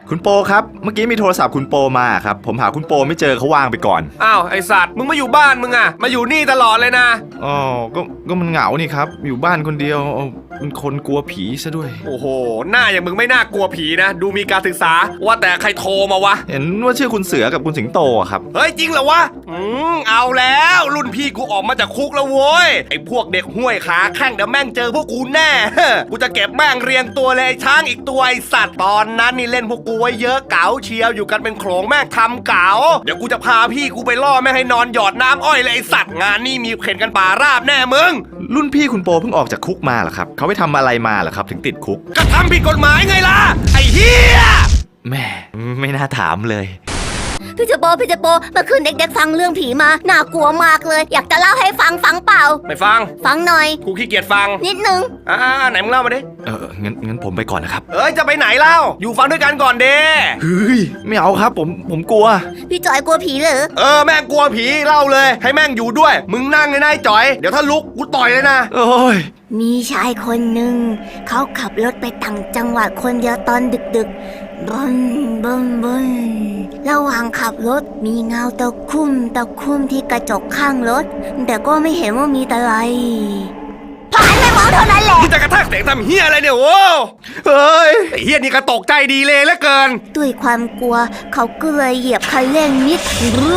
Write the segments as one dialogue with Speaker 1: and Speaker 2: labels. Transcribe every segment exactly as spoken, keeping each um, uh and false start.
Speaker 1: คุณโปครับเมื่อกี้มีโทรศัพท์คุณโปมาครับผมหาคุณโปไม่เจอเขาวางไปก่อน
Speaker 2: อ้าวไอสัตว์มึงมาอยู่บ้านมึงอะมาอยู่นี่ตลอดเลยนะ
Speaker 1: อ๋อก็ก็มันเหงานี่ครับอยู่บ้านคนเดียวเป็นคนกลัวผีซะด้วย
Speaker 2: โอ้โหหน้าอย่างมึงไม่น่ากลัวผีนะดูมีการศึกษาว่าแต่ใครโทรมาวะ
Speaker 1: เห็นว่าชื่อคุณเสือกับคุณสิงโตครับ
Speaker 2: เฮ้ยจริงเหรอวะอืมเอาแล้วรุ่นพี่กูออกมาจากคุกแล้วโว้ยไอพวกเด็กห้วยขาแข้งเดี๋ยวแม่งเจอพวกกูแน่กูจะเก็บแม่งเรียงตัวเลยไอช้างอีกตัวไอสัตว์ตอนนั้นนี่เล่นพวกกูไว้เยอะเก๋าเชียวอยู่กันเป็นโขลงแม่งทำเก๋าเดี๋ยวกูจะพาพี่กูไปล่อแม่งให้นอนหยอดน้ำอ้อยเลยไอสัตว์งานนี่มีเข็นกันป่าราบแน่มึง
Speaker 1: รุ่นพี่คุณโปเพิ่งออกจากคุกมาเหรอครับเขาไปทำอะไรมาเหรอครับถึงติดคุก
Speaker 2: ก็ทำผิดกฎหมายไงล่ะไอ้เหี้ย
Speaker 1: แม่ไม่น่าถามเลย
Speaker 3: พี่เจโปพี่เจโปเมื่อคืนเด็กๆฟังเรื่องผีมาน่ากลัวมากเลยอยากจะเล่าให้ฟังฟังเปล่า
Speaker 2: ไม่ฟัง
Speaker 3: ฟังหน่อย
Speaker 2: กูขี้เกียจฟัง
Speaker 3: นิดนึง
Speaker 2: อ่าไหนมึงเล่ามาดิ
Speaker 1: เอองั้นงั้นผมไปก่อนนะครับ
Speaker 2: เอ้ยจะไปไหนเล่าอยู่ฟังด้วยกันก่อนเด้
Speaker 1: เฮ้ยไม่เอาครับผมผมกลัว
Speaker 3: พี่จอยกลัวผีเหรอ
Speaker 2: เออแม่งกลัวผีเล่าเลยให้แม่งอยู่ด้วยมึงนั่งเลยนายจอยเดี๋ยวถ้าลุกกูต่อยเลยนะ
Speaker 1: โอ้ย
Speaker 3: มีชายคนหนึ่งเขาขับรถไปต่างจังหวัดคนเดียวตอนดึกๆบนบนบนระหว่างขับรถมีเงาตะคุ่มตะคุ่มที่กระจกข้างรถแต่ก็ไม่เห็นว่ามีอะไรผ่านไปมองเท่านั้นแหละ
Speaker 2: มึงจะกระแทกเสียงทำเฮียอะไรเนี่ยโว้เฮ้ยไอ้เฮียนี่กระตกใจดีเลยเหลือเกิน
Speaker 3: ด้วยความกลัวเขาก็เลยเหยียบคันเร่งนิด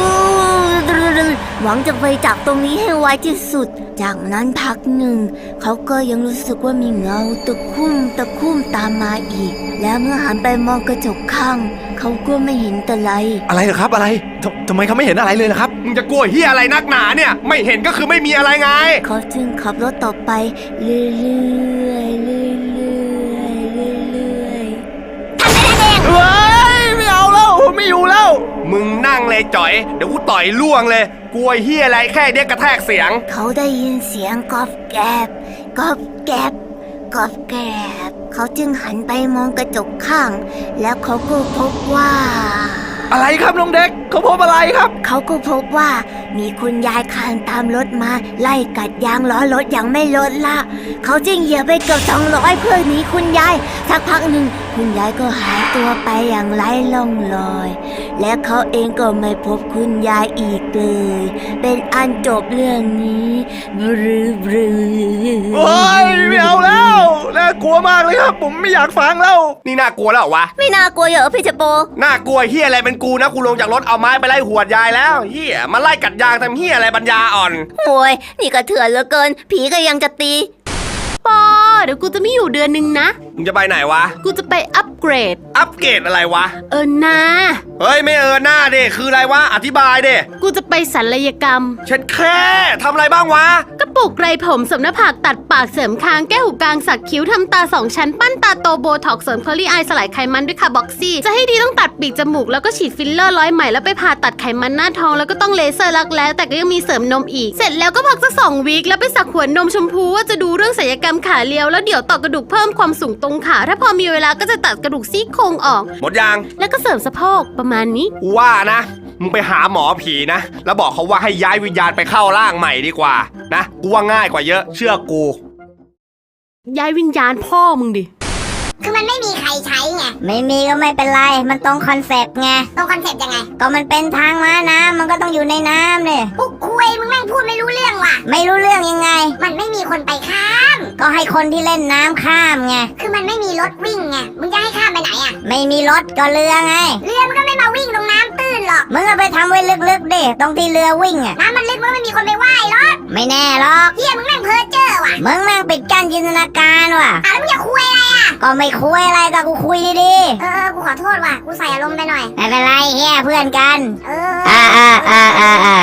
Speaker 3: หวังจะไปจากตรงนี้ให้ไวที่สุดจากนั้นพักหนึ่งเขาก็ยังรู้สึกว่ามีเงาตะคุ่มตะคุ่มตามมาอีกแล้วเมื่อหันไปมองกระจกข้างเขาก็ไม่เห็นอะไร
Speaker 1: อะไรเหรอครับอะไรทำไมเขาไม่เห็นอะไรเลยล่ะครับ
Speaker 2: มึงจะกลัวเฮียอะไรนักหนาเนี่ยไม่เห็นก็คือไม่มีอะไรไง
Speaker 3: เขาจึงขับรถต่อไปเรื่อยๆเรื่อยๆเรื่อยๆทำไมล่ะเด็ก
Speaker 2: เฮ้ยไม่เอาแล้วไม่อยู่แล้วมึงนั่งเลยจ่อยเดี๋ยวกูต่อยล่วงเลยกลัวเฮียอะไรแค่เด็กกระแทกเสียง
Speaker 3: เขาได้ยินเสียงกอบแกบกอบแกบกอบแกบเขาจึงหันไปมองกระจกข้างแล้วเขาก็พบว่า
Speaker 1: อะไรครับน้องเด็กเขาพบอะไรครับ
Speaker 3: เขาก็พบว่ามีคุณยายคลานตามรถมาไล่กัดยางล้อรถอย่างไม่ลดละเขาจึงเหยียบไปเกือบสองร้อยเพื่อหนีคุณยายสักพักหนึ่งคุณยายก็หายตัวไปอย่างไร้ร่องรอยและเขาเองก็ไม่พบคุณยายอีกเลยเป็นอันจบเรื่องนี้บรือบรื
Speaker 1: โอ้ยไม่เอาแล้วน่ากลัวมากเลยครับผมไม่อยากฟังแล้ว
Speaker 2: นี่น่ากลัวแล้วเหรอวะ
Speaker 3: ไม่น่ากลัวเหรอพี่เจโป
Speaker 2: น่ากลัวเฮียอะไรเป็นกูนะกูลงจากรถเอาไม้ไปไล่หวดยายแล้วเฮียมาไล่กัดยางทำเฮียอะไรปัญญาอ่อน
Speaker 3: โอ้ยนี่ก็เถื่อนเหลือเกินผีก็ยังจะตี
Speaker 4: ปอเดี๋ยวกูจะไม่อยู่เดือนนึงนะ
Speaker 2: มึงจะไปไหนวะ
Speaker 4: กูจะไปอัปเกรด
Speaker 2: อัปเกรดอะไรวะ
Speaker 4: เออหน้า
Speaker 2: เฮ้ยไม่เออหน้าเด้คืออะไรวะอธิบายเด้
Speaker 4: กูจะไปศัลยกรรม
Speaker 2: เช็ดแค่ทำอะไรบ้างวะ
Speaker 4: ก็ปลูกไรผมเสริมหน้าผากตัดปากเสริมคางแก้หูกลางสักคิ้วทำตาสองชั้นปั้นตาโตโบท็อกเสริมเคอรี่อายสลายไขมันด้วยคาร์บ็อกซี่จะให้ดีต้องตัดปีกจมูกแล้วก็ฉีดฟิลเลอร์ร้อยไหมแล้วไปผ่าตัดไขมันหน้าท้องแล้วก็ต้องเลเซอร์รักแร้แต่ก็ยังมีเสริมนมอีกเสร็จแล้วก็พักสักสองวีคแล้วไปสักหัวนมชมพูว่าจะดูเรื่องศัลยกรรมขาเรียวแล้วเดี๋ยวต่อกระดูกเพิ่มความสูงตรงขาถ้าพอมีเวลาก็จะตัดกระดูกซี่โครงออก
Speaker 2: หมดยัง
Speaker 4: แล้วก็เสริมสะโพกประมาณนี้
Speaker 2: ว่านะมึงไปหาหมอผีนะแล้วบอกเขาว่าให้ย้ายวิญญาณไปเข้าร่างใหม่ดีกว่านะกูว่าง่ายกว่าเยอะเชื่อกู
Speaker 4: ย้ายวิญญาณพ่อมึงดิ
Speaker 5: คือมันไม่มีใครใช้ไงไม่มีก็ไม่เป็นไรมันตรงคอนเซ็ปต์ไงตรงคอนเซ็ปต์ยังไงก็มันเป็นทางม้าน้ำมันก็ต้องอยู่ในน้ำเลยปุ๊กคุยมึงแม่งพูดไม่รู้เรื่องว่ะไม่รู้เรื่องยังไงมันไม่มีคนไปข้ามก็ให้คนที่เล่นน้ำข้ามไงคือมันไม่มีรถวิ่งไงมึงจะให้ข้ามไปไหนอ่ะไม่มีรถก็เรือไงเรือมันก็ไม่มาวิ่งตรงน้ำตื้นหรอกมึงเอาไปทำไว้ลึกๆดิตรงที่เรือวิ่งอ่ะน้ำมันลึกมันไม่มีคนไปว่ายหรอกไม่แน่หรอกเฮียมึงแม่งเพ้อเจ้อว่ะมึงแม่งปิดกั้นจินตนาการว่ะอ่ะแล้วมึงจะคุยอะไรอ่ะก็ไม่คุยอะไรก็กูคุยดีๆเออกูขอโทษว่ะกูใส่อารมณ์ไปหน่อยไม่เป็นไรเฮียเพื่อนกันเอออ่าอ่าอ่าอ่าอ่า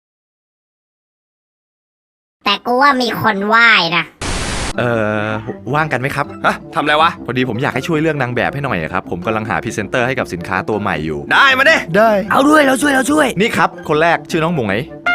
Speaker 5: แต่กูว่ามีคนว่ายนะ
Speaker 1: เออว่างกันไหมครับ
Speaker 2: ฮะทำอะไรวะ
Speaker 1: พอดีผมอยากให้ช่วยเรื่องนางแบบให้หน่อยครับผมกำลังหาพรีเซนเตอร์ให้กับสินค้าตัวใหม่อยู่
Speaker 2: ได้มาดิ
Speaker 1: ได้
Speaker 6: เอาด้วยเราช่วยเราช่วย
Speaker 1: นี่ครับคนแรกชื่อน้องหมงไหน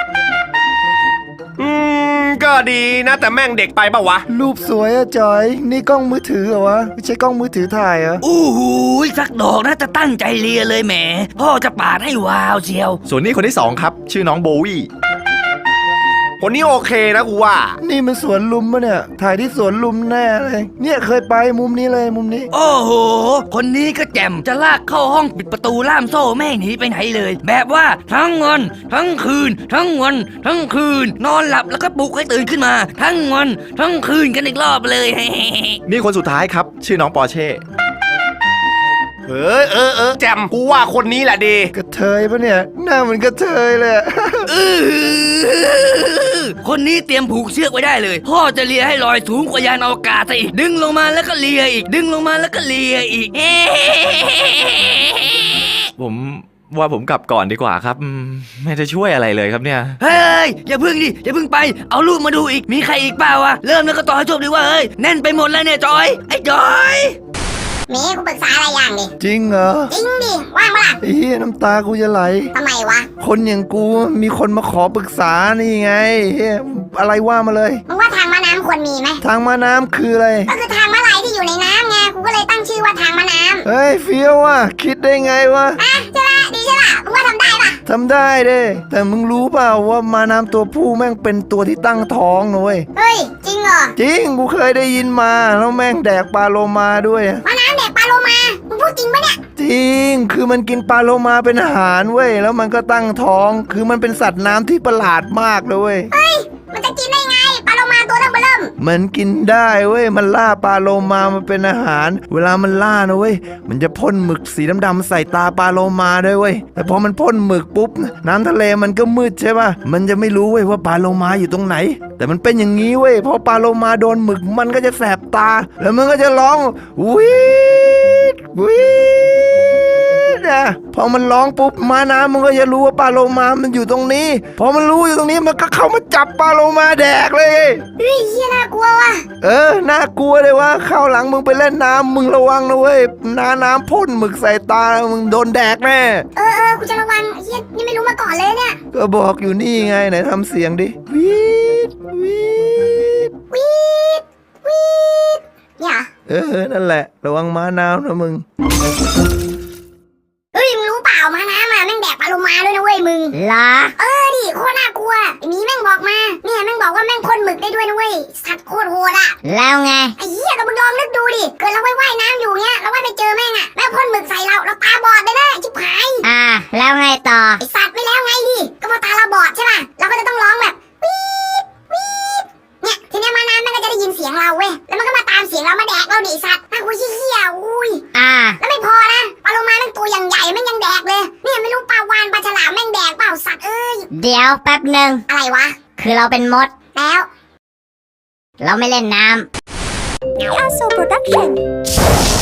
Speaker 2: อืมก็ดีนะแต่แม่งเด็กไปปะวะ
Speaker 6: รูปสวยอะจอยนี่กล้องมือถือเหรอวะไม่ใช่กล้องมือถือถ่ายอะ
Speaker 7: อู้หูสักดอกนะจะตั้งใจเลียเลยแหมพ่อจะปาดให้วาวเชียว
Speaker 1: ส่วนนี้คนที่สองครับชื่อน้องโบวี่
Speaker 2: คนนี้โอเคนะกูว่า
Speaker 6: นี่มันสวนลุมปะเนี่ย ถ่ายที่สวนลุมแน่เลย เนี่ยเคยไปมุมนี้เลยมุมนี้
Speaker 7: โอ้โห คนนี้ก็แจ่มจะลากเข้าห้องปิดประตูล่ามโซ่ไม่ให้หนีไปไหนเลย แบบว่าทั้งวันทั้งคืน ทั้งวันทั้งคืน นอนหลับแล้วก็ปลุกให้ตื่นขึ้นมา ทั้งวันทั้งคืนกันอีกรอบเลย
Speaker 1: นี่คนสุดท้ายครับ ชื่อน้องปอร์เช่
Speaker 2: เออเออเออแจมกูว่าคนนี้แหละดี
Speaker 6: กระเทยปะเนี่ย หน้าเหมือนกระเทยเลยอะ
Speaker 7: อื้อหือคนนี้เตรียมผูกเชือกไว้ได้เลย พ่อจะเลียให้ลอยสูงกว่ายานอวกาศซะอีก ดึงลงมาแล้วก็เลียอีก ดึงลงมาแล้วก็เลียอีก
Speaker 1: ผมว่าผมกลับก่อนดีกว่าครับอืมไม่ได้ช่วยอะไรเลยครับเนี่ย
Speaker 7: เฮ้ย อย่าพึ่งดิ อย่าพึ่งไป เอารูปมาดูอีก มีใครอีกเปล่าวะ เริ่มแล้วก็ต่อให้จบดีว่าเฮ้ย แน่นไปหมดแล้วเนี่ยจอย ไอ้จอย
Speaker 5: เมย์กูปรึกษาอะไรอย่างดิ
Speaker 6: จริงเหรอ
Speaker 5: จริงดิ ว่างปะล่ะ
Speaker 6: ไอ้เหี้ยน้ำตากูจะไหล
Speaker 5: ทำไมวะ
Speaker 6: คนอย่างกูมีคนมาขอปรึกษานี่ไงเหี้ยอะไรว่ามาเลย
Speaker 5: มึงว่าทางม้าน้ำควรมีไหม
Speaker 6: ทางม้าน้ำคืออะไร
Speaker 5: ก็คือทางม้าลายที่อยู่ในน้ำไง กูก็เลยตั้งชื่อว่าทางม้าน้ำ
Speaker 6: เฮ้ยเฟี้ยวว่ะคิดได้ไงวะ
Speaker 5: อ่ะใช่ปะดีใช่ปะมึงว่าทำได้ปะ
Speaker 6: ทำได้เด้ แต่มึงรู้เปล่าว่าม้าน้ำตัวผู้แม่งเป็นตัวที่ตั้งท้องนะเว้ย
Speaker 5: เฮ้ย จริงเหรอ
Speaker 6: จริงกูเคยได้ยินมาแล้วแม่งแดกปลาโลมาด้วยอะ
Speaker 5: ม้าน้ำเด็กปลาโลมา มึงพูดจริงปะเนี่ย
Speaker 6: จริง คือมันกินปลาโลมาเป็นอาหารเว้ย แล้วมันก็ตั้งท้อง คือมันเป็นสัตว์น้ำที่ประหลาดมากเลยเว้ย
Speaker 5: เฮ้ย มันจะกินได้ไง ปลาโลมาตัวตั้งเบอเริ่ม
Speaker 6: มันกินได้เว้ย มันล่าปลาโลมามาเป็นอาหาร เวลามันล่านะเว้ย มันจะพ่นหมึกสีดำๆใส่ตาปลาโลมาด้วยเว้ย แต่พอมันพ่นหมึกปุ๊บ น้ำทะเลมันก็มืดใช่ป่ะ มันจะไม่รู้เว้ยว่าปลาโลมาอยู่ตรงไหน แต่มันเป็นอย่างนี้เว้ย พอปลาโลมาโดนหมึกมันก็จะแสบตา แล้วมันก็จะร้องวีดวีดอะพอมันร้องปุ๊บม้าน้ำมันก็จะรู้ว่าปลาโลมามันอยู่ตรงนี้ พอมันรู้อยู่ตรงนี้มันก็เข้ามาจับปลาโลมาแดกเลย
Speaker 5: เฮ้ยเฮียน่ากลัวว่ะ
Speaker 6: เออ น่ากลัวเลยว่าข้าวหลังมึงไปเล่นน้ำมึงระวังนะเว้ย น้าน้ำพ่นหมึกใส่ตา มึงโดนแดกแน่
Speaker 5: เออเออกูจะระวังเฮียนี่ไม่รู้มาก่อนเลยเนี่ย
Speaker 6: ก็บอกอยู่นี่ไงไหนทำเสียงดิวีดวีด
Speaker 5: วีดวีดเนี่ย
Speaker 6: เออ นั่นแหละ ระวังม้าน้ำนะมึง
Speaker 5: เฮ้ย มึงรู้เปล่าม้าน้ำอะแม่งแดกปลาโลมาด้วยนะเว้ยมึง
Speaker 3: ล่ะ
Speaker 5: เออดิโคตรน่ากลัวไอ้หมีแม่งบอกมา เนี่ยแม่งบอกว่าแม่งพ่นหมึกได้ด้วยนะเว้ย สัตว์โคตรโหดอะ
Speaker 3: แล้วไง
Speaker 5: ไอ้เหี้ยก็มึงลองนึกดูดิ เกิดเราว่ายว่ายน้ำอยู่เงี้ยเราว่ายไปเจอแม่งอะแม่งพ่นหมึกใส่เรา เราตาบอดไปเลยชิบหาย
Speaker 3: อ่า แล้วไงต่อ
Speaker 5: ไอสัตว์ไม่แล้วไงดิ ก็พอตาเราบอดใช่ป่ะ เราก็จะต้องร้องแบบวีดวีดเนี่ยทีเนี้ยมาน้ำมันก็จะได้ยินเสียงเราเว้ย แล้วมันก็มาตามเสียงเรามาแดกเราดิไอ้สัตว์น่ากลัวเหี้ยๆอุ้ย
Speaker 3: อ่า
Speaker 5: แล้วไม่พอนะปลาโลมาแม่งตัวอย่างใหญ่แม่งยังแดกเลย เนี่ยไม่รู้ปลาวานปลาฉลามแม่งแดกเปล่าสัตว์เอ้ย
Speaker 3: เดี๋ยวแป๊บหนึ่ง
Speaker 5: อะไรวะ
Speaker 3: คือเราเป็นมด
Speaker 5: แล้ว
Speaker 3: เราไม่เล่นน้ำ
Speaker 5: Aso Production